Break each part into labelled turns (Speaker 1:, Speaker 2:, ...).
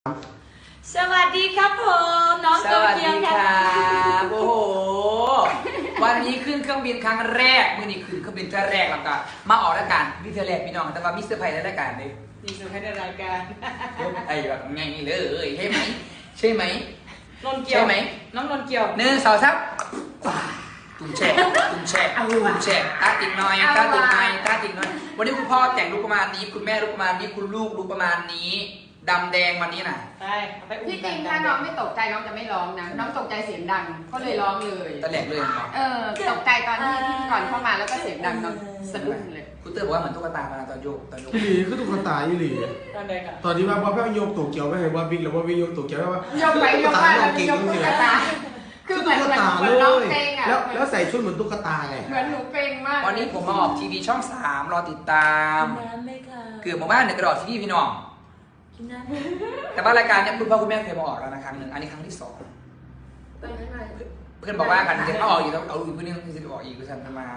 Speaker 1: สวัสดีครับผมน้องโตเกียวค่ะ
Speaker 2: โอ้โหวันนี้ขึ้นเครื่องบินครั้งแรกมื่อนี้ขึ้นเครื่องบินครั้งแรกแล้วก็มาออกรายการวิทยาแรกพี่น้องแต่ว่ามีเซอร์ไพรส์ในรายการเลย
Speaker 1: มีเซอร์ไพรส์ในรายการ
Speaker 2: ไอ้แบบไงเลยใช่ไหมใช่ไหม
Speaker 1: นนเกียว
Speaker 2: ใช่ไหม
Speaker 1: น้องนนเกียว
Speaker 2: 1 2 3ตุ้มแช่ตุ้มแช่ตุ้มแช่ตาติ่งน้อยตาติ่งน้อยตาติ่งน้อยวันนี้คุณพ่อแต่งลุคประมาณนี้คุณแม่ลุคประมาณนี้คุณลูกลุคประมาณนี้ดำแดงวันนี้น่ะ
Speaker 1: ไปเอาไปอุ้ม
Speaker 3: ที่จริงถ้าน้องไม่ตกใจน้องจะไม่ร้องนะ น้องตกใจเสียงดังก็เลยร้องเลย
Speaker 2: ตะแหลกเลยเนาะ
Speaker 3: ตกใจตอนที่พิธีกรเข้ามาแล้วก็เสียงดังน้องสะดุ้งเลย
Speaker 2: คุณเตอร์บอกว่าเหมือนตุ๊กตาตอนโยก
Speaker 4: อีหลีคือตุ๊กตาอีหลี
Speaker 1: ตอนใดค่ะ
Speaker 4: ตอนที่ว่าพ่อแม่โยกตัวเกี่ยวไม่ให้ว่าบิ๊กหรือว่าบิ๊กโยกตัวเกี่ยวว่าย
Speaker 3: กไปยกมาแล้วยกตุ๊กตาคือเหมือน
Speaker 4: ตุ๊กตา
Speaker 3: เห
Speaker 4: เล
Speaker 3: มือนน้อง
Speaker 4: ย
Speaker 3: เพลงอ่ะ
Speaker 4: แล้วใส่ชุดเหมือนตุ๊กตาไง
Speaker 3: เหมือนหนูเพลงมาก
Speaker 2: วันนี้ผมมาออกทีวีช่อง 3รอติดตาม
Speaker 1: กินน้ำไหมคะ
Speaker 2: เกือบหมู่บ้านเนี่ยกระโดดที่นี่พี่น้อง
Speaker 1: กินน้ำ
Speaker 2: แต่ว่ารายการเนี่ยคุณพ่อคุณแม่เคยมาออกแล้วนะครั้งหนึ่งอันนี้ครั้งที่ 2เพื่อนบอกว่ากันจะเอาออกอีกแล้วเอาอีกเพื่อนนึงที่จะออกอีกก็ฉันทำมา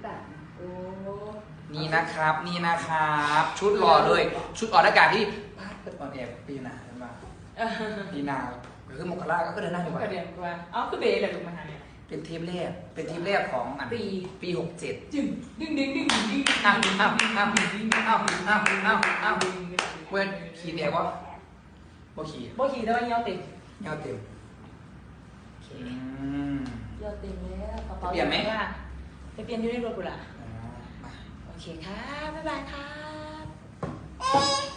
Speaker 2: นี่นะครับนี่นะครับชุดรอเลยชุดออกอากาศที่พาดเปิดออนแอร์ปีหน้าใช่ไหมปีหน้าคือมกราก็เดินหน้าอยู่
Speaker 1: กระ
Speaker 2: ว่า
Speaker 1: เดียนกว่าอ๋อคือเบย์เลยลูกมาหาเนี่ย
Speaker 2: เป็นทีมแรกเป็นทีมแรกของอันปี67
Speaker 1: จึงดึงดึงดึงดึงดึง
Speaker 2: อ้าวเพื่อนขี่แดกว่าบ่ขี่
Speaker 1: โบขี่ได้ว่าเยี่ยวเต็ม
Speaker 2: เงาเต็ม
Speaker 1: เยี่ยวเต็มแล้วกระเป๋า
Speaker 2: เปลี่ยนไหม
Speaker 1: ไปเปลี่ยนอยู่ในรถกูล่ะ
Speaker 2: มา
Speaker 1: โอเคครับบ๊ายบายครับ